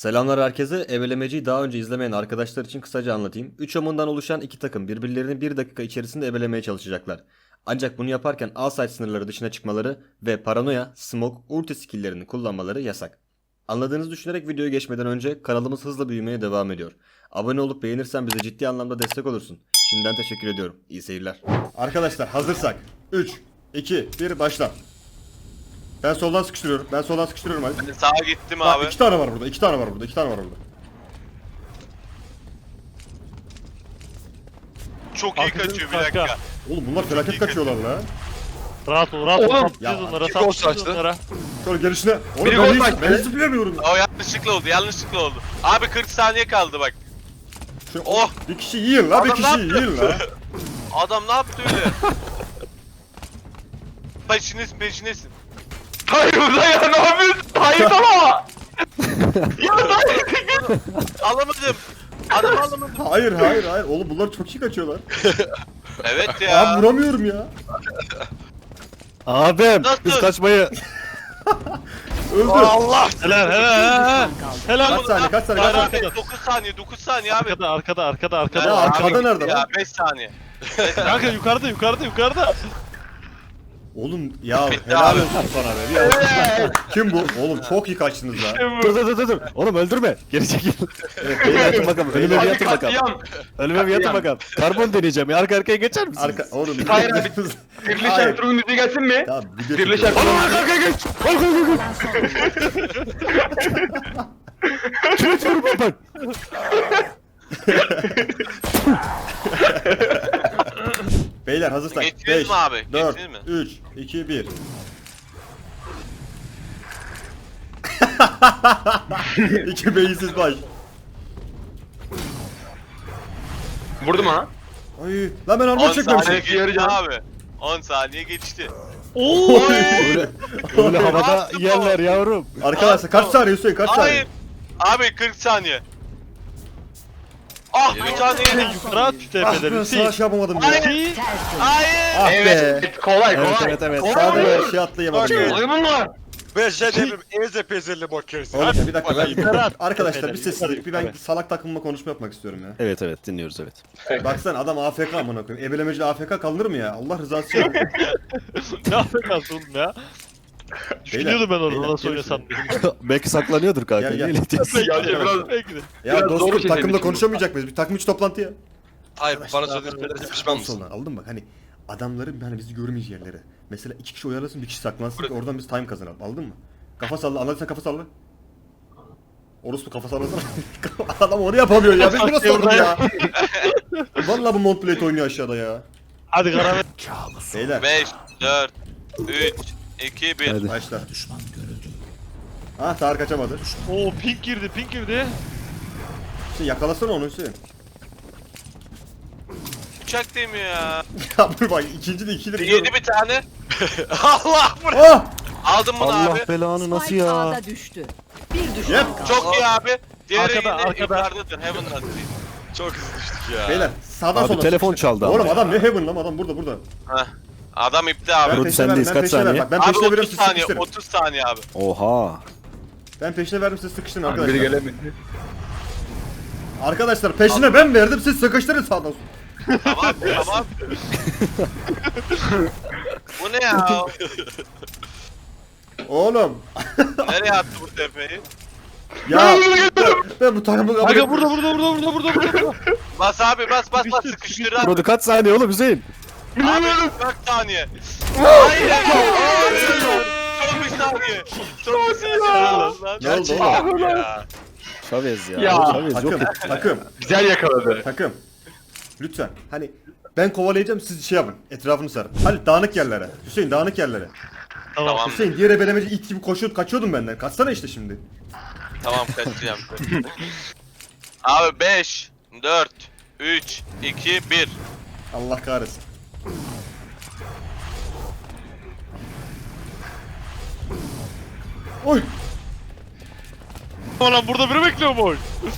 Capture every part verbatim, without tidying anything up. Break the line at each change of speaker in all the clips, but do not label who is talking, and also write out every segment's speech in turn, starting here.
Selamlar herkese. Ebelemeciyi daha önce izlemeyen arkadaşlar için kısaca anlatayım. üç omundan oluşan iki takım birbirlerini bir dakika içerisinde ebelemeye çalışacaklar. Ancak bunu yaparken A-site sınırları dışına çıkmaları ve paranoya, smoke, ulti skill'lerini kullanmaları yasak. Anladığınızı düşünerek videoya geçmeden önce kanalımız hızla büyümeye devam ediyor. Abone olup beğenirsen bize ciddi anlamda destek olursun. Şimdiden teşekkür ediyorum. İyi seyirler. Arkadaşlar hazırsak üç, iki, bir başla. Ben soldan sıkıştırıyorum. Ben soldan sıkıştırıyorum hadi.
Ben sağa gittim
Bak,
abi.
iki tane var burada. iki tane var burada. iki tane var burada.
Çok iyi
Arkadaşım
kaçıyor bir
kanka.
dakika.
Oğlum bunlar felaket kaçıyorlar la.
Rahat ol, rahat ol.
Oğlum,
Saplayacağız
ya,
onlara,
iki gol
saplayacağız
saçtı.
onlara.
Sonra gelişine. Oğlum
Biri
ben
gol
hiç,
baktı.
ben hiç zıplayamıyorum.
O yanlışlıkla oldu, yanlışlıkla oldu. Abi kırk saniye kaldı bak.
Şu,
Oh!
Bir kişi yiyin la. Bir
Adam
kişi
ne
yiyin la.
Adam ne yaptı öyle? Peşiniz peşinesin.
Hayır burada ya ne yapıyorsun? Hayır ama.
Alamadım. Adam alamadım.
Hayır hayır hayır. Oğlum bunlar çok iyi kaçıyorlar.
Evet
Abi
ya.
vuramıyorum ya.
Abim
Nasıl?
biz kaçmayı
Öldü.
Allah.
Helal, helal, helal.
Kaç saniye kaç saniye kaç
Hayır,
saniye.
arkada.
dokuz saniye, dokuz saniye abi.
Arkada, arkada, arkada,
Ya
arkada.
arkada nerede
Ya
lan?
beş saniye.
Kanka yukarıda, yukarıda, yukarıda.
Oğlum ya
Bitti
helal
abi.
olsun sana be. Bir alkış. Kim bu? Oğlum çok iyi kaçtınız la.
dur dur dur dur. Oğlum öldürme. Geri çekil.
Evet,
Bir
beyler,
yatın bakalım. Önüme bir
Hadi
yatın bakalım.
katliam.
Önüme bir yatın bakalım. Karbon deneyeceğim ya. Arka arkaya geçer misiniz?
Arka oğlum.
Hayır abi. Birleşen
Hayır.
Ertuğrul müziği gelsin mi?
Tamam video
Birleşen
çekiyorum.
Oğlum arka arkaya geç. Arka arkaya geç. Kime diyorum ben?
Beyler hazırsak.
Geçtiniz
beş,
mi abi?
dört,
Geçtiniz mi?
üç, iki, bir. İki beyinsiz baş.
Vurdum ha.
Ay lan ben
on
armor
saniye
çekmemişim.
geçti
yarayacağım.
abi. on saniye geçti.
Oo!
Öyle, öyle havada yerler yavrum.
Arkadaşlar kaç saniye Hüseyin kaç saniye?
Hayır. Abi kırk saniye. Ah bir saniye.
Yukarı at şu
Ah
tepeleri.
ben
Hüseyin.
savaş yapamadım ya.
Hayır. Hayır.
Ah be.
Evet kolay
Evet
kolay.
evet evet.
Sağda bir şey atlayamadım ya.
Kolay bunlar.
Ben şey eze pezeli bakıyorsun.
Oğlum bir dakika ben...
Yukarı at.
Arkadaşlar bir
Yukarı,
sessizlik. Bir ben
yukarı.
salak takımla konuşma yapmak istiyorum ya.
Evet evet dinliyoruz evet.
Baksana adam A F K amına koyayım. Ebelemeci A F K kalınır mı ya? Allah rızası için.
Ne yapıyorsun oğlum ya? Düşünüyordum ben
beyler,
orada nasıl
gelin
oynasan.
Belki saklanıyordur kanka.
Gel, gel.
Niye diyorsun?
Ya biraz
Belki de.
Ya
Biraz
dostum
doğru şey
takımda
demişim.
konuşamayacak mıyız? Bir takım içi toplantı ya.
Hayır bana söylediğin pişman mısın?
Soldan aldın mı? Hani adamların hani bizi görmeyeceği yerlere. Mesela iki kişi oyalasın bir kişi saklansın ki oradan biz time kazanalım. Aldın mı? Kafa salla. Anladıysan kafa salla. Orospu kafa sallasana. Adam onu yapamıyor ya. Biz nasıl olduk ya? Vallahi bu Montplate oynuyor aşağıda ya.
Hadi karamet.
Beyler
beş, dört, üç, iki, bir.
Hadi.
başla. Ah Tarık kaçamadı.
Oo pink girdi, pink girdi.
Hüseyin yakalasana onu Hüseyin.
Uçak demiyor ya.
Ya dur bak ikinci de ikidir.
Yedi bir tane. Allah bu.
Ah!
Aldım bunu
Allah
abi.
belanı nasıl
Spike
ya?
A'da düştü. Bir düşman
Yep.
kaldı.
Çok iyi abi. Diğeri
Arkada,
yine
arkada.
yukarıdadır. Heaven'dan.
Çok hızlı düştük ya.
Beyler sağdan
Abi
sola.
telefon çaldı
Oğlum
ama.
adam ne heaven lan adam burada burada.
Heh. Adam ipti abi.
Ben
Rodi
peşine
sendeyiz,
verdim, ben
kaç
peşine
saniye?
verdim. Ben
Abi
peşine veriyorum
otuz
siz
saniye,
sıkıştırın.
otuz saniye abi.
Oha.
Ben peşine verdim siz sıkıştırın
Biri
arkadaşlar.
gelemedi.
Arkadaşlar peşine ben verdim siz sıkıştırın sağdan sola.
Tamam, tamam. Bu ne ya?
Oğlum.
Nereye attı bu tepeyi?
Ya ben bu takımı kabul
Kanka
etmiyorum.
burada, burada, burada, burada, burada, burada.
Bas abi bas bas bas
Sıkıştır,
sıkıştır abi.
Burada kaç saniye oğlum Hüseyin?
Abi dört saniye. Hayır. Hayır. Son bir saniye. Son bir saniye. Lan.
Ne oldu oğlum?
Ya.
Chavez ya.
Ya.
Chavez yok.
Takım takım
Güzel yakaladı.
takım. Lütfen hani ben kovalayacağım siz şey yapın etrafını sarın. Hadi dağınık yerlere. Hüseyin dağınık yerlere.
Tamam.
Tamam.
Hüseyin diğer ebelemeci it gibi koşuyordun kaçıyordun benden. Kaçsana işte şimdi.
Tamam kaçacağım. Abi beş, dört, üç, iki, bir.
Allah kahretsin. Oy.
Lan burada biri bekliyor mu?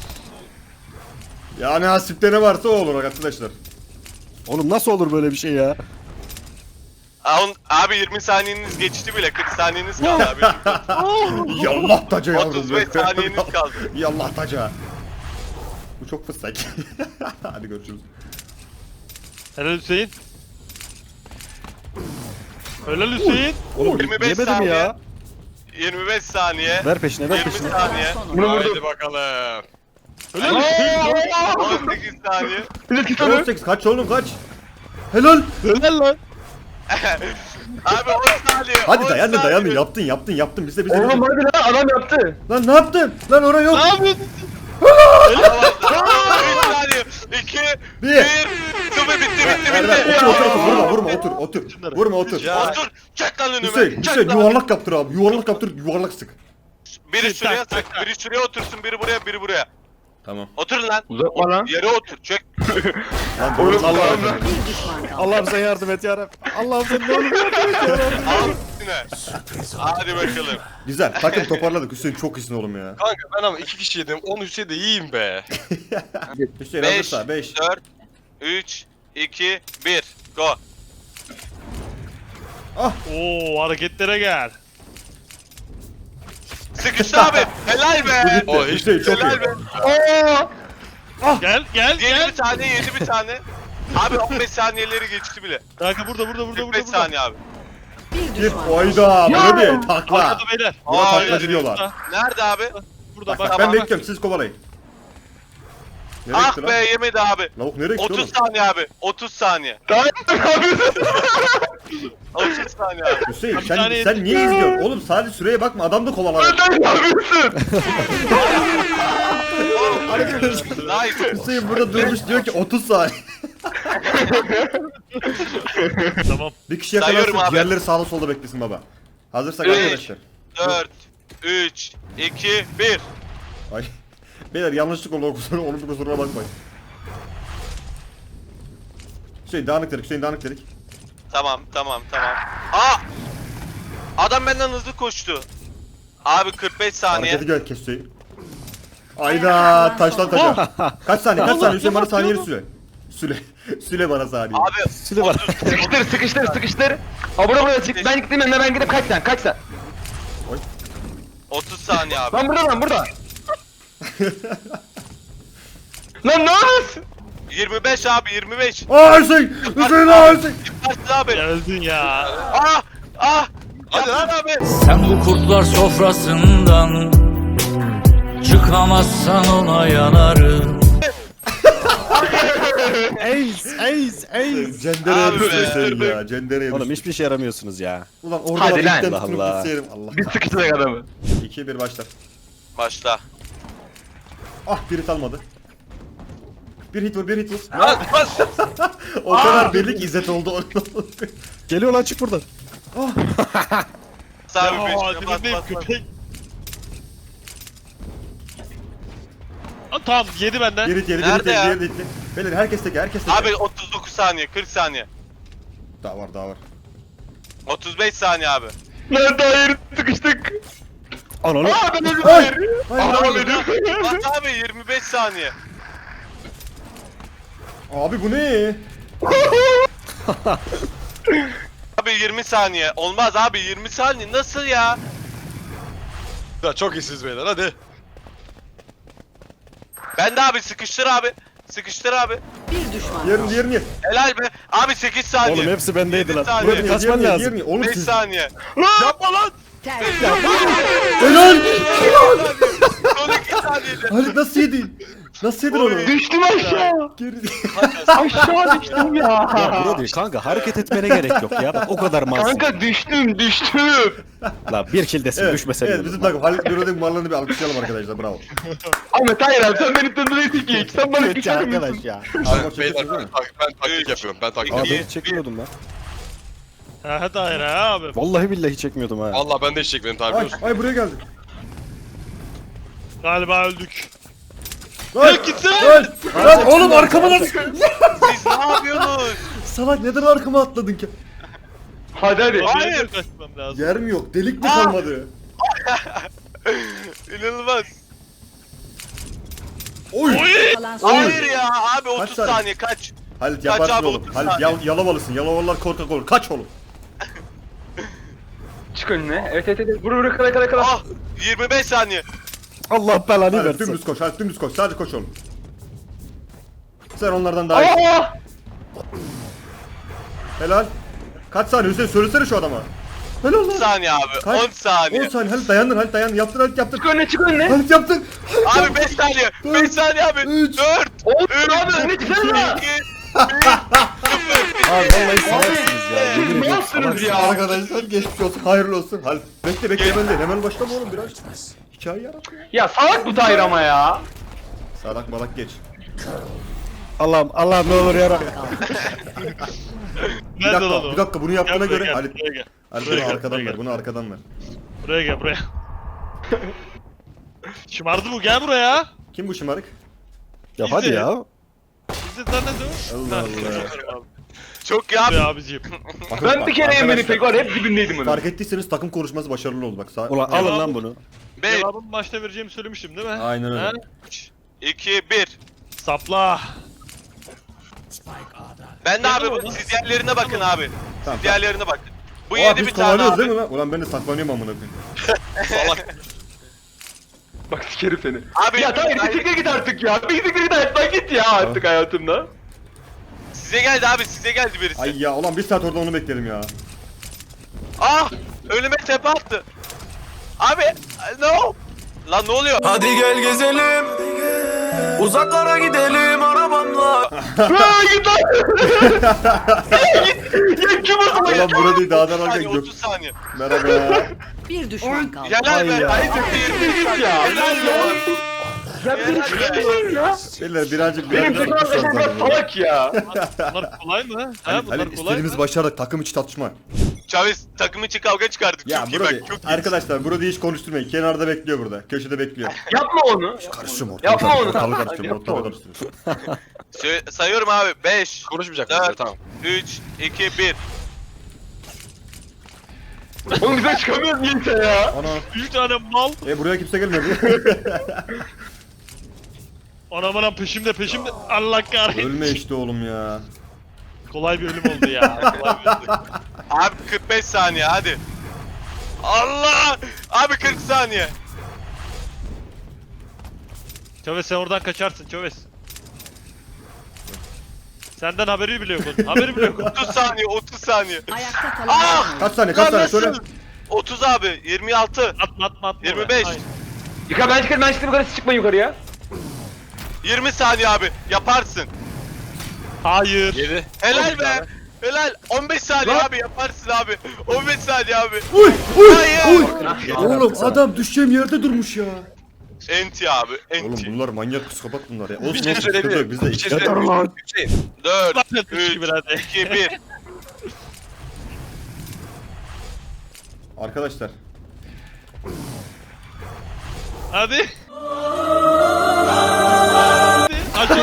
Yani hasipte ne varsa o olur arkadaşlar.
Oğlum nasıl olur böyle bir şey ya?
Abi, abi yirmi saniyeniz geçti bile. kırk saniyeniz kaldı abi.
Yallah taca yavrum.
otuz beş saniyeniz kaldı.
Yallah taca. Bu çok fıstık. Hadi görüşürüz.
Helal Hüseyin. Helal Hüseyin.
Oğlum
yirmi beş
yemedim
saniye.
ya.
yirmi beş saniye.
Ver peşine ver
yirmi
peşine.
saniye.
Son
Bunu
oyuncu.
vurdum.
Haydi bakalım.
Helal Hüseyin.
on sekiz saniye.
Flash git onu.
on sekiz kaç oğlum kaç. Helal.
Helal lan.
Abi on saniye.
Hadi
on
dayan da
saniye.
dayan yaptın yaptın yaptın bize bize.
Oğlum
bize.
hadi lan adam yaptı.
Lan ne yaptın? Lan oraya yok.
Ne yapıyorsun?
üç saniye. iki,
Bir.
bir. Sıfır bitti bitti
Erdem
bitti.
otur otur otur vurma vurma otur otur. Vurma otur.
Ya.
Otur. Çek lan önüme.
Hüseyin
Çek
Hüseyin
lan.
yuvarlak yaptır abi yuvarlak yaptır yuvarlak sık.
Biri şuraya sık. Biri şuraya otursun. Biri buraya. Biri buraya.
Tamam.
Oturun lan.
Uzatma lan.
Yere otur. Çek.
Lan
Oğlum
doğru
Allah'ım lan.
Bir düşman kaldı.
Allah'ım sen yardım et yarabbim. Allah'ım sen ne olur yardım et yarabbim.
Al üstüne. Hadi bakalım.
Güzel takım toparladık Hüseyin çok iyisin oğlum ya.
Kanka ben ama iki kişi yedim. on Hüseyin de iyiyim be.
Hüseyin
beş,
hazırsa beş.
dört, üç, iki, bir. Go.
Oo hareketlere gel.
Sıkıştı abi. Helal be.
O hiç
Hüseyin çok
Helal
iyi.
be.
Gel gel
Yedi
gel.
bir tane, yedi bir tane. Abi on beş saniyeleri geçti bile.
Kanka burada burada burada
kırk
burada.
beş
burada.
saniye abi.
Bir
Bir
düşman.
oyda böyle bir takla.
Arkada beyler.
Buna
Aa,
taklacı diyorlar.
Burada,
Nerede abi?
burada
Bak,
bak.
bak,
tamam.
ben bekliyorum siz kovalayın. Nereye
Ah
gitti
be
lan?
yemedi abi.
Lavuk nereye gitti
otuz
oğlum?
saniye abi. otuz saniye.
Daha ne yapıyorsun?
otuz saniye abi.
Hüseyin
Bir
sen,
tane
sen
yedim.
niye izliyorsun? Oğlum sadece süreye bakma adam da kovalar.
Sen ne yapıyorsun?
Nice.
Hüseyin burada durmuş diyor ki otuz saniye.
Tamam.
Bir kişi
Sayıyorum
yakalarsın
abi.
diğerleri sağda solda beklesin baba. Hazırsak
Üç.
arkadaşlar.
dört, üç, iki, bir.
Ay. Beyler yanlışlık oldu o kusura, onun bir kusuruna bakmayın. Hüseyin dağınık dedik Hüseyin dağınık dedik.
Tamam, tamam, tamam. Aa! Adam benden hızlı koştu. Abi kırk beş saniye.
Hareketi gör kes Hüseyin. Ayda taştan taşa. Kaç saniye kaç saniye Hüseyin bana saniyeni süre. Süle. Süle bana saniye.
Abi
Süle var.
Sıkıştır sıkıştır sıkıştır. Abura buraya çık. Ben gittim yanına ben gidip kaç sen kaç sen.
otuz saniye abi.
Lan burada lan burada. Lan ne yapıyorsun?
yirmi beş abi yirmi beş.
Aa Hüseyin! Hüseyin aa Hüseyin!
Yaparsın abi.
Geldin ya.
Ah! Ah! Hadi lan abi.
Sen bu kurtlar sofrasından çıkamazsan ona yanarım.
Ace ace ace.
Cendere
Abi
yapıyorsun
be.
Hüseyin ya. Cendere
Oğlum
yapıyorsun.
hiçbir işe yaramıyorsunuz ya.
Ulan orada
Hadi
var
lan.
ilkten
Allah
tutunup
Allah.
gitseydim. Allah.
Biz sıkıştırdık adamı.
iki bir başlar.
Başla.
Ah bir hit almadı. Bir hit vur bir hit vur.
Lan bas.
O kadar belli İzzet oldu.
Geliyor lan çık buradan.
Bas abi
Ya
peşine bas
dilindeyim
bas bas.
köpek. Aa, tamam yedi benden.
Bir hit yedi bir hit
Nerede
yedi
ya?
bir hit yedi. Beyler herkes tek herkes tek.
Abi otuz dokuz saniye, kırk saniye.
Daha var daha var.
otuz beş saniye abi.
Lan daha yeri sıkıştık.
Ananı.
Aa ben öldüm.
Ay!
Hayır.
Hayır,
Adam
hayır.
öldü.
Bas abi yirmi beş saniye.
Abi bu ne?
Abi yirmi saniye. Olmaz abi yirmi saniye nasıl ya?
Ya çok iyisiniz beyler hadi.
Ben de abi sıkıştır abi. Sıkıştır abi.
Bir düşman
Yerin
kaldı.
diğerini ye.
Helal be. Abi sekiz saniye.
Oğlum hepsi bendeydi
Yedi
lan.
saniye.
Buraya
Diğerini
kaçman
ye,
lazım.
diğerini ye. Oğlum
beş
siz.
saniye.
Yapma lan.
Tertemiz.
Helal!
Son iki saniyede.
Halit nasıl yedin? Nasıl yedin onu?
Düştüm aşağı.
Geri.
Aşağı düştüm ya.
Ya bro değil kanka hareket etmene gerek yok ya. Bak o kadar malsın.
Kanka düştüm düştüm.
La bir kill desin
Evet,
düşmesen
evet
iyi
bizim
olur.
takım Halit Büro'nun varlığını bir alkışlayalım arkadaşlar bravo.
Ahmet hayır abi sen beni tanıdın ki. Sen bana
Evet
küçük müsün?
arkadaş ya.
Armor
Ben,
çekiyorsunuz
beyler
değil
ben,
mi?
tak- ben taktik
Üç,
yapıyorum ben taktik
Abi
yapıyorum.
ben çekmiyordum lan.
Ha hadi hayır ha abi.
Vallahi billahi çekmiyordum ha.
Valla ben de hiç çekmedim tabi
Ay,
biliyorsun.
ay buraya geldi.
Galiba öldük.
Lan
gitsene.
Lan, lan oğlum arkama lan.
Siz ne yapıyorsunuz?
Salak neden arkama atladın ki?
Hadi hadi.
Hayır.
Hayır. Kaçmam lazım.
Yer mi yok? Delik mi
Aa!
kalmadı?
İnanılmaz.
Oy!
Kalan son
Hayır ya abi otuz
saniye?
saniye kaç.
Halit
Kaç
yaparsın
abi,
oğlum.
otuz
Halit
saniye.
yal, yalavalısın. Yalavalılar korkak olur. Kaç oğlum.
çık önüne. Evet evet evet. Vur vur kala kala kala.
Ah yirmi beş saniye.
Allah belanı
Hadi
versin.
dümdüz koş, hadi dümdüz koş. Sadece koş oğlum. Sen onlardan daha iyi.
Aa!
Helal. Kaç saniye Hüseyin söylesene şu adama. Helal
on
lan.
saniye abi.
Kaç?
on saniye.
on saniye. Halit dayandın, Halit dayandın. Yaptın, Halit yaptın.
Çık önüne çık önüne.
Halit yaptın.
Abi beş saniye. beş saniye abi.
Üç.
dört.
Oğlum
üç.
abi önüne çıksana.
iki.
Abi vallahi salaksınız ya. Yemin
Ne
ediyorum.
yaptınız ya?
Arkadaşlar geçmiş olsun. Hayırlı olsun. Halit bekle bekle hemen değil. Hemen başlama oğlum biraz. Hikaye yarat ya.
Ya salak bu Tahir ama ya.
Sadak malak geç.
Allah'ım Allah'ım ne olur yara.
Bir
Nerede
dakika,
lan o?
bir dakika bunu yaptığına
Gel buraya
göre
gel,
Halit.
buraya gel.
Halit
Buraya
bunu
gel,
arkadan
buraya
ver.
gel.
Bunu arkadan ver.
Buraya gel buraya. Şımardı bu gel buraya.
Kim bu şımarık?
Ya hadi
İzle.
ya.
Bizi tanıdı.
Allah Allah.
Çok ya abi.
Be abiciğim.
Bakın,
Ben
bak,
bir kere Emre'nin
arkadaşlar,
pek var hep dibindeydim onun.
fark ettiyseniz takım konuşması başarılı oldu bak. Sağ...
Ulan alın lan bunu.
beş,
Cevabımı başta vereceğimi söylemiştim değil mi?
Aynen öyle.
Ha?
iki, bir.
Sapla.
Ben de abi
Yapma
bu-
lan.
siz diğerlerine bakın abi.
Tamam,
Siz
tamam.
diğerlerine bakın. Bu
Aa,
yedi
biz
bir tane
kovalıyoruz
abi.
değil mi lan? Ulan ben de saklanıyorum amına koyayım.
Salak.
Bak sikerim seni.
Abi
Ya Tahir bir siktir git artık ya. Bir siktir git hayattan git ya artık hayatımda.
size geldi abi size geldi birisi.
Ay ya ulan bir saat orada onu bekledim ya.
Ah! Önüme tepe attı. Abi no. Lan ne oluyor?
Hadi gel gezelim. Uzaklara gidelim arabamla.
Aa git lan. Ya kim o zaman ya?
Ulan burada değil dağdan
otuz
alırken
saniye,
gök.
otuz saniye.
Merhaba.
Bir düşman kaldı.
Helal
Ay
be.
ya.
Ay
Siktir git ya.
Helal be.
Ya bir
Helal be.
ya.
Beyler birazcık
Benim
birazcık
takım arkadaşım biraz salak ya.
Bunlar kolay mı? Ha
Halit,
bunlar
Halit
kolay
istediğimiz
mı?
başardık takım içi tartışma.
Çaviz takım içi kavga çıkardık.
Ya
çok iyi
burada
bak çok iyi.
arkadaşlar burada hiç konuşturmayın. Kenarda bekliyor burada. Köşede bekliyor.
Yapma onu.
Karıştırma ortalığı.
Yapma onu.
Ortalığı
Hadi
karıştırma.
yapma
Ortalığı
onu.
karıştırma.
Sö- sayıyorum abi. beş,
Konuşmayacak
dört,
mıyız? Tamam.
üç, iki, bir.
Oğlum bize çıkamıyoruz niyeyse ya.
Ana.
Bir tane mal.
E buraya kimse gelmedi.
Anam anam peşimde peşimde. Allah kahretsin.
Ölme işte oğlum ya.
Kolay bir ölüm oldu ya. Kolay bir ölüm.
Abi kırk beş saniye hadi. Allah! Abi kırk saniye.
Çöves sen oradan kaçarsın Çöves. Senden haberi bile yok onun. Haberi bile yok onun.
otuz saniye, otuz saniye.
Ayakta kalan
Ah!
son oyuncu.
Kaç saniye kaç saniye söyle.
otuz abi, yirmi altı,
Atma atma atma.
yirmi
oraya.
beş.
Aynen.
Yıka ben çıkarım ben çıktım yukarı siz çıkmayın yukarıya.
yirmi saniye abi. Yaparsın.
Hayır.
yedi.
Helal be. Helal. on beş saniye abi yaparsın abi. on beş saniye abi.
Uy uy
Hayır.
uy. Oğlum adam düşeceğim yerde durmuş ya.
Enti abi,
Oğlum
enti.
bunlar manyak psikopat bunlar ya. Olsun
Bir şey
olsun sıkıntı yok
söyleyebilirim.
biz de
Bir şey
iki.
söyleyebilirim. Hüseyin.
dört,
Lan yatmış
üç,
gibi hadi.
iki, bir.
Arkadaşlar.
Hadi. Hadi.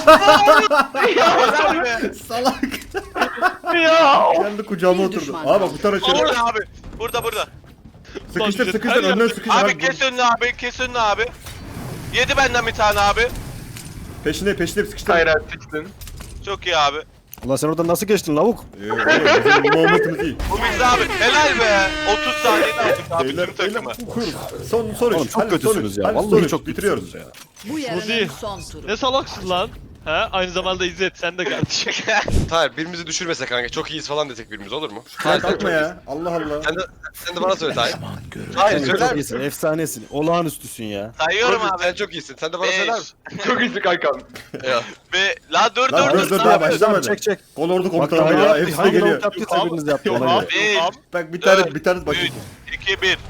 Helal be.
Salak.
Ya.
Kendi kucağıma
Bir
oturdu.
düşman
Aa bak bu tarafa şöyle.
Burada abi. Burada burada.
Sıkıştır
Her
sıkıştır
yerde-
önden sıkıştır.
Abi
Abi,
kes önünü abi, kes önünü abi. Yedi benden bir tane abi.
Peşine peşine sıkıştır.
Hayır abi sıçtın.
Çok iyi abi.
Ulan sen oradan nasıl geçtin lavuk?
Ee, oğlum bizim muhabbetimiz iyi.
Bu biz abi. Helal be. otuz saniyede aldık abi
Beyler
tüm
beyler
takımı.
kurum. Son sonuç.
Oğlum çok
Hadi
kötüsünüz
sonuç.
ya.
Hadi
Vallahi
sonuç.
çok
bitiriyoruz.
bitiriyoruz ya.
Bu
Muzi.
yarının son turu.
Ne salaksın lan? Ha? Aynı zamanda İzzet sen de kardeşim.
Tahir birimizi düşürmese kanka çok iyiyiz falan desek birimiz olur mu?
Hayır kalkma ya. Allah Allah.
Sen de, sen de bana söyle Tahir. Tahir
Sen
söyler
çok
misin?
iyisin, efsanesin, olağanüstüsün ya.
Sayıyorum
Oğlum,
abi.
Sen çok iyisin. Sen de bana söyler misin?
Çok iyisin kankam.
Ya.
Ve la dur
Lan
dur
dur
dur.
dur
dur.
daha başlamadı.
Çek çek.
Kol ordu
Bak
komutanı
daha
ya.
ya.
Hepsi de
Hangi
geliyor.
lavuk yaptıysa biriniz yaptı
Yok
ona
abi.
göre.
Bir,
Abi.
Bak bir tane
Dört,
bir tane bakayım.
üç, iki, bir.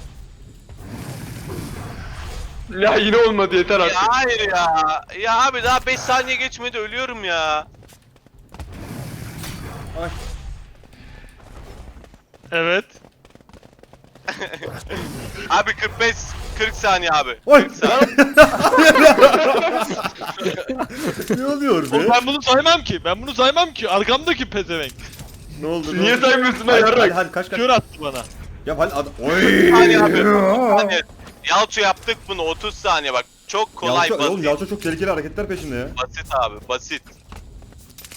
Ya yine olmadı yeter
Ya
artık.
hayır ya. Ya abi daha beş saniye geçmedi ölüyorum ya.
Evet.
Abi kırk beş kırk saniye abi.
Oy!
kırk saniye.
Ne oluyor
Oğlum
be?
ben bunu saymam ki. Ben bunu saymam ki. Arkamdaki pezevenk.
Ne oldu? ne
Niye
oldu?
saymıyorsun lan
Hadi hadi,
yarrak?
hadi kaç kaç.
Kör attı bana.
Ya hadi hadi. Oy!
Saniye abi. otuz saniye. Yalçı yaptık bunu otuz saniye bak. Çok kolay
Yalçın, oğlum
basit.
Yalçın çok tehlikeli hareketler peşinde ya.
Basit abi basit.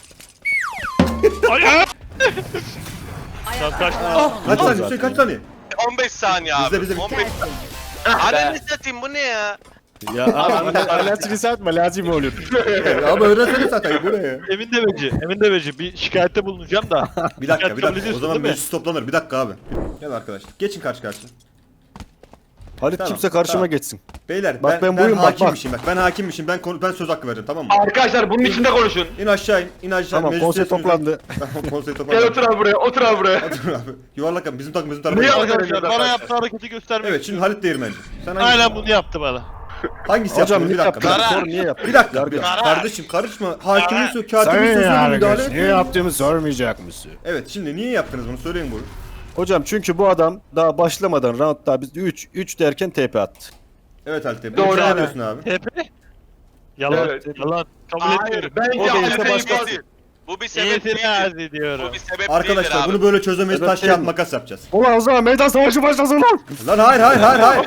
Ay ay.
Ayakta
kaç-
kalan son
Kaç
oyuncu.
saniye Hüseyin kaç saniye?
on beş saniye abi.
Bizde, bizde.
on beş.
Tertemiz.
Ananı satayım bu ne ya?
Ya abi alerjini satma lazım olur.
Ama öğrensene zaten bu ne ya?
Emin Deveci, Emin Deveci bir şikayette bulunacağım da.
Bir dakika bir
Kabul
dakika. O
ediyorsun
zaman
değil mi?
meclis toplanır. Bir dakika abi. Gel arkadaşlar. Geçin karşı karşıya.
Halit
Tamam,
kimse karşıma
tamam.
geçsin.
Beyler
Bak
ben,
ben buyum, bak, bak.
hakimmişim bak. Ben hakimmişim. Ben konu- ben söz hakkı vereceğim tamam mı?
Arkadaşlar bunun içinde konuşun.
İn aşağı in. İn aşağı.
Tamam
Meclis
konsey
üyesi
toplandı.
Tamam konsey
Gel
toplandı.
otur abi buraya, otur abi buraya.
Otur abi. Yuvarlak abi. Bizim takım bizim takım.
Niye
Evet
Arkadaşlar bana
arkadaşlar?
yaptığı hareketi göstermek
şimdi Halit Değirmenci. Sen hangisi,
Aynen bunu yaptı bana.
hangisi
Hocam
yaptın?
niye
Bir dakika.
yaptın?
Bir dakika.
Sor niye yaptın?
Bir dakika.
Yargı.
bir dakika. Kardeşim karışma. Hakimin sözü, katibin sözüne müdahale etme.
yaptığımı sormayacak mısın?
Evet şimdi niye yaptınız bunu söyleyin bunu.
Hocam çünkü bu adam daha başlamadan roundda biz üç üç derken T P attı.
Evet Halit Bey.
Doğru
Doğru
abi.
diyorsun abi.
T P. Yalan,
Evet.
yalan. Kabul
Hayır.
etmiyorum.
Bence
O da
Halit'e
işte başka-
infaz-
Bu bir sebep değildir.
İtiraz ediyorum.
Bu bir sebep
Arkadaşlar
değildir abi.
bunu böyle çözemeyiz.
Evet,
Taş
değil
kağıt
mi?
makas yapacağız.
Ulan o zaman meydan savaşı başlasın lan.
Lan hayır hayır hayır hayır.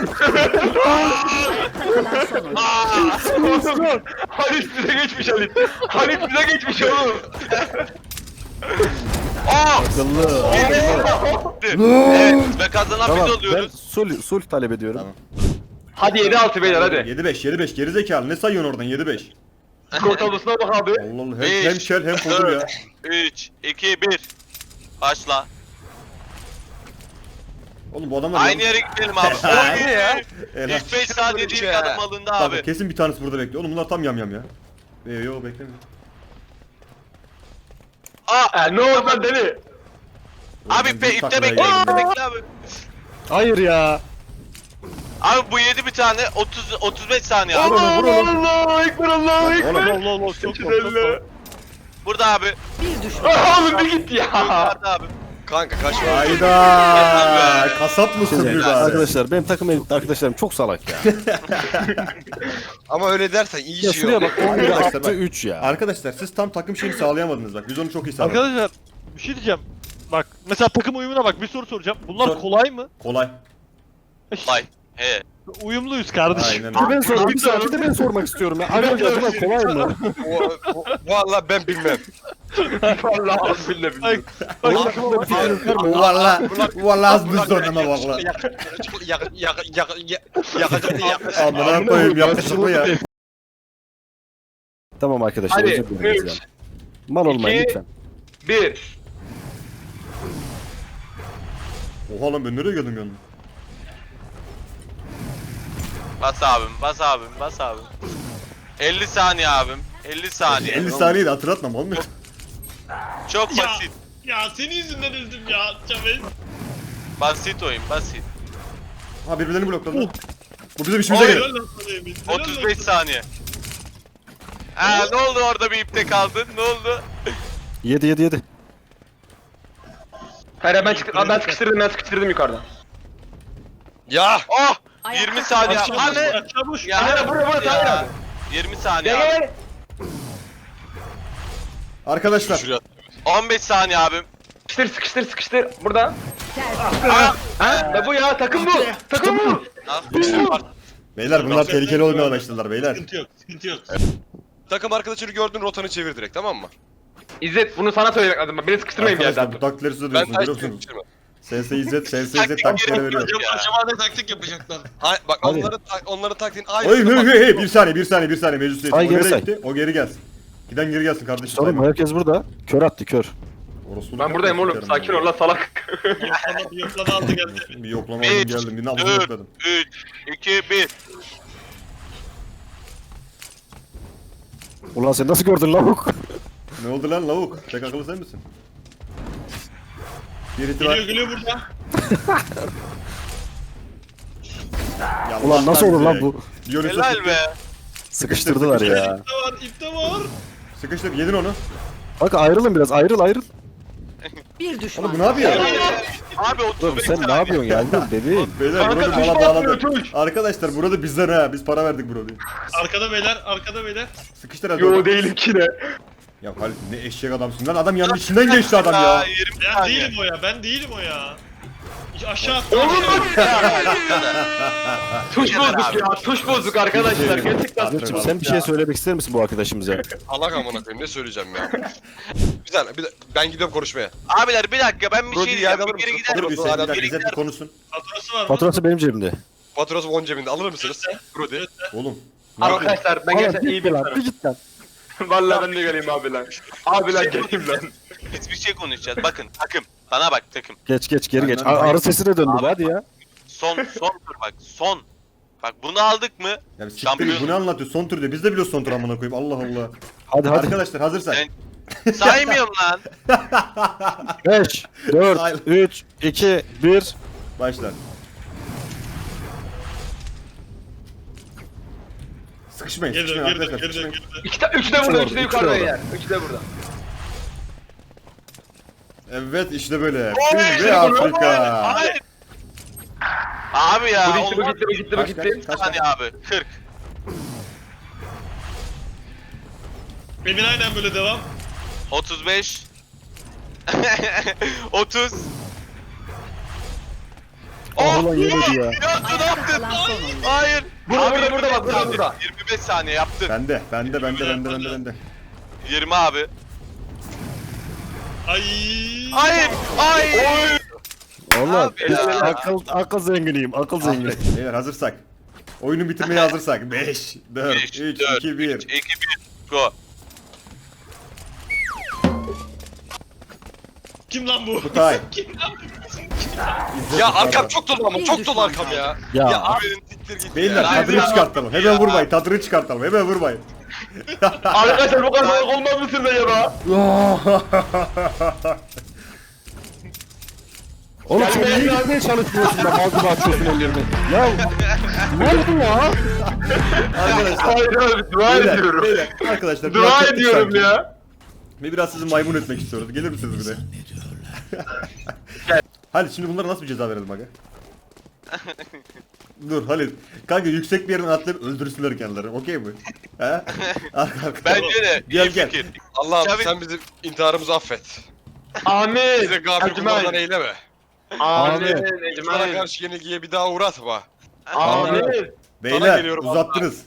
Oğlum, Halit bize geçmiş Halit. Halit bize geçmiş oğlum.
Aa!
Akıllı.
Evet ve kazanan
Tamam
biz
ben
oluyoruz.
sulh, sulh talep ediyorum.
Tamam.
Hadi yedi altı beyler hadi.
yedi beş yedi beş geri zekalı. Ne sayıyorsun oradan yedi beş?
Skor tablosuna bak abi.
Allah Allah hem,
Beş,
hem kel hem kolum ya.
üç, iki, bir. Başla.
Oğlum bu adamlar
Aynı yere gidelim abi.
Aynen
ya.
Helal.
İlk beş saniye değil
ya.
adım alındı
Bak,
abi.
kesin bir tanesi burada bekliyor. Oğlum bunlar tam yam yam ya. Ee, yo beklemiyor.
Aa!
E, ne oldu lan deli?
Abi
Oğlum,
be
büyük
ipte
taklaya
bekle,
geldim
ipte
ya.
bekle abi.
Hayır ya.
Abi bu yedi bir tane otuz otuz beş saniye abi.
Vur onu, vur onu.
Allahu ekber Allahu ekber.
Oğlum
Allah Allah çok çok çok.
Burada abi.
Bir düşman.
Ah, Oğlum bir git ya.
Yukarıda abi.
Kanka kaçma.
hayda. Kasap mısın bir bari?
Arkadaşlar benim takım elbette arkadaşlarım çok salak ya.
Ama öyle dersen iyi
ya
şey
şuraya
olur.
bak on bire
Arkadaşlar
attı
bak.
üç ya.
Arkadaşlar siz tam takım şeyini sağlayamadınız bak. Biz onu çok iyi sağladık.
Arkadaşlar bir şey diyeceğim. Bak mesela takım uyumuna bak bir soru soracağım. Bunlar
Sor.
kolay mı?
Kolay.
Vay. He.
Uyumluyuz kardeşim.
Aynen
Bir de
öyle.
ben sor, bir saat bir de ben sormak istiyorum ya. Arkadaşlar bunlar kolay mı?
O- o- Vallahi ben bilmem.
Vallahi billahi
Bak,
billahi.
bak,
Allah aşkına bir fikrin var mı?
Valla. Valla az bir sonrama valla.
Yak yak yak yak yakacak yak.
Amına koyayım yakışık mı ya?
Tamam arkadaşlar
Hadi,
özür dileriz
üç,
yani. Mal olmayın
iki,
lütfen.
Bir.
Oha lan ben nereye geldim yanına?
Bas abim, bas abim, bas abim. elli saniye abim. elli saniye.
elli saniye de hatırlatma mal mı?
Çok
Ya.
basit.
Ya senin yüzünden öldüm ya Çavel.
Basit oyun, basit.
Ha birbirlerini blokladı. Bu bizim işimize gelir.
otuz beş saniye. Ha ne oldu orada bir ipte kaldın? Ne oldu?
Yedi yedi yedi.
Hayır ben, çık ben sıkıştırdım ben sıkıştırdım yukarıdan.
Ya.
Oh!
Ayakta
yirmi saniye.
Çavuş,
Anne!
çavuş.
Ya
Hayır, buraya, buraya,
ya.
hayır abi.
yirmi saniye
Gel
abi.
gel.
Arkadaşlar.
Şuraya.
on beş saniye abim.
Sıkıştır sıkıştır sıkıştır. Burada.
Tertemiz.
Ha? Ne bu ya? Takım bu. Takım bu.
Al.
Beyler bunlar tehlikeli olmaya başladılar beyler.
Sıkıntı yok, sıkıntı yok.
Takım arkadaşını gördün rotanı çevir direkt tamam mı?
İzzet bunu sana söylemek lazım. Beni sıkıştırmayın bir
Arkadaşlar
yerden.
bu taktikleri size
Ben
diyorsunuz
taş
biliyor musunuz?
çevirme.
S S İzzet, S S İzzet
Taktik
taktikleri
gerek
veriyor.
yok ya.
Acaba ne taktik yapacaklar?
Ay, bak
Hadi.
onların ta- onların taktiğin aynı.
Oy hey hey hey bir saniye bir saniye bir saniye meclis üyesi.
Ay,
O
geri
nereye
say.
gitti? O geri gelsin. Giden geri gelsin kardeşim.
Sorun mu? Herkes burada. Kör attı kör.
Orospuluk
Ben buradayım
yapma,
oğlum.
sikerim
Sakin
ben.
ol lan salak.
Yoklama, yoklama aldı geldi.
Bir yoklama aldım
beş,
geldim. Bir nabzını
dört,
yokladım.
üç, iki, bir.
Ulan sen nasıl gördün lavuk?
Ne oldu lan lavuk? Tek akıllı sen misin? Bir itibar.
Geliyor geliyor burada.
Ya
Ulan nasıl
Allah
olur lan
bize.
bu?
Dionysos
Helal
gitti.
be.
Sıkıştırdılar ya.
İpte var, ipte var.
Sıkıştır yedin onu.
Bak ayrılın biraz ayrıl ayrıl.
Bir düşman.
Oğlum bu ne yapıyor?
Abi otuz
Oğlum
beş
sen
saniye.
ne yapıyorsun ya? Dur bebeğim.
Beyler
Kanka,
burada
tuş
mala
basmıyor,
bağladı.
tuş.
Arkadaşlar burada bizden ha. Biz para verdik burada.
Arkada beyler, arkada beyler.
Sıkıştır hadi.
Yo
oradan.
değilim ki ne.
Ya Halit ne eşek adamsın lan. Adam yanının içinden geçti adam ya.
yirmi
Ben
saniye.
değilim o ya, ben değilim o ya. Aşağı at.
Tuş bozduk ya. Tuş bozduk arkadaşlar. Gerçekten.
Azir'cim sen bir şey söylemek ister misin bu arkadaşımıza?
Allah amına koyayım ne söyleyeceğim ya. Güzel bir de, ben gidiyorum konuşmaya.
Abiler bir dakika ben bir
Brody,
şey diyeceğim.
yardım
Bir geri
mısın?
gider
Dur bir
misin?
sen bir dakika
Geri
İzzet bir
gider
konuşsun.
Faturası var mı?
Faturası benim cebimde.
Faturası on cebinde alır mısınız? Brody.
Oğlum. ne yapıyorsun?
Arkadaşlar ben gerçekten iyi bir
lan. Bir git lan.
Vallahi ben de geleyim abi lan. Abi lan geleyim lan.
Biz bir şey konuşacağız. Bakın takım. Bana bak takım.
Geç geç geri geç.
Aynen.
Ar- Arı sesine döndü bu,
Abi.
hadi ya.
Son son tur bak. Son. Bak bunu aldık mı?
Ya bir siktir
Şampiyon.
bu ne anlatıyor? Son tur diyor. Biz de biliyoruz son tur amına koyayım. Allah Allah.
Hadi hadi.
Arkadaşlar hazırsak.
Ben- Saymıyorum lan.
beş, dört, üç, iki, bir.
Başlar. Sıkışmayın,
Geri dön,
sıkışmayın
geri dön,
arkadaşlar.
geri dön,
Sıkışmayın.
geri dön.
İki de, üçü de burada,
orada,
üçü de
üçü
yukarıda
orada.
yer. Üçü de burada.
Evet işte böyle.
Oy,
Film
işte
ve
bu,
Afrika.
Hayır. Abi ya.
Bu gitti, bu
olmaz.
gitti, bu gitti, bu
Kaç,
gitti.
kaç, kaç,
Hadi abi. kırk.
Emin aynen böyle devam.
otuz beş. otuz.
Ah ulan yemedi ya.
Ya ne yaptın?
Kalan son oyun.
Hayır.
Burada,
Abi,
burada, burada,
yirmi
bak, burada,
beş
burada.
saniye, yirmi beş saniye yaptın.
Bende, bende, bende, bende, bende, bende.
yirmi abi.
Ay.
Hayır. Hayır.
Oğlum
Abi
biz
ya.
akıl, akıl zenginiyim, akıl zengini.
Beyler hazırsak. Oyunu bitirmeye hazırsak. beş, dört,
beş,
üç,
dört,
iki, bir.
üç, iki, bir. Go.
Kim lan bu?
Kutay.
Ya arkam çok dolu ama
Bir
çok
düşman
dolu arkam
kaldı.
ya.
Ya,
Ya abi siktir git
Beyler
ya.
tadını
ya.
çıkartalım. Hemen vurmayın. Tadını çıkartalım. Hemen vurmayın.
Arkadaşlar bu kadar olmaz mısın be ya?
oğlum sen niye gitmeye çalışmıyorsun da mal gibi açıyorsun ellerini? Ya ne oldu ya?
Arkadaşlar.
Hayır abi dua
Beyler,
ediyorum.
beyler, arkadaşlar. biraz
Dua
tepki
ediyorum
sanki.
ya.
Ve biraz sizi maymun etmek istiyoruz. Gelir misiniz buraya? Halit şimdi bunlara nasıl bir ceza verelim aga? Dur Halit. Kanka yüksek bir yerden atlayıp öldürsünler kendileri. Okey mi? He? Arka arka.
Bence de.
Gel,
iyi
gel.
fikir.
Allah'ım
Tabii.
sen bizim intiharımızı affet.
Amin.
Bize gafil kullardan
Ecmaîn.
eyleme.
Amin.
Bana
Ecmaîn.
karşı yenilgiye bir daha uğratma.
Amin.
Sana
Beyler
geliyorum
uzattınız.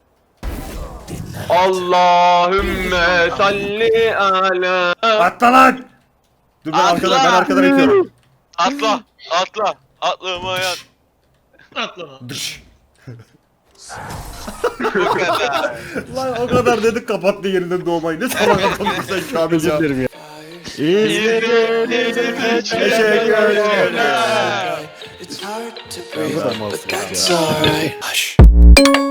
Allahümme salli ala.
Atla lan! Dur ben
Atla!
arkadan, ben arkadan itiyorum.
Atla. Atla. Atlamayan.
Atlama.
Dış.
Bu kadar.
Lan o kadar dedik kapattı yerinden doğmayı. Ne salak adamsın sen Kamil
Özür
ya.
dilerim ya. İzmir'in
Teşekkür ederim.
It's hard to breathe,
Tamam,
but
ya.
that's alright. Hush.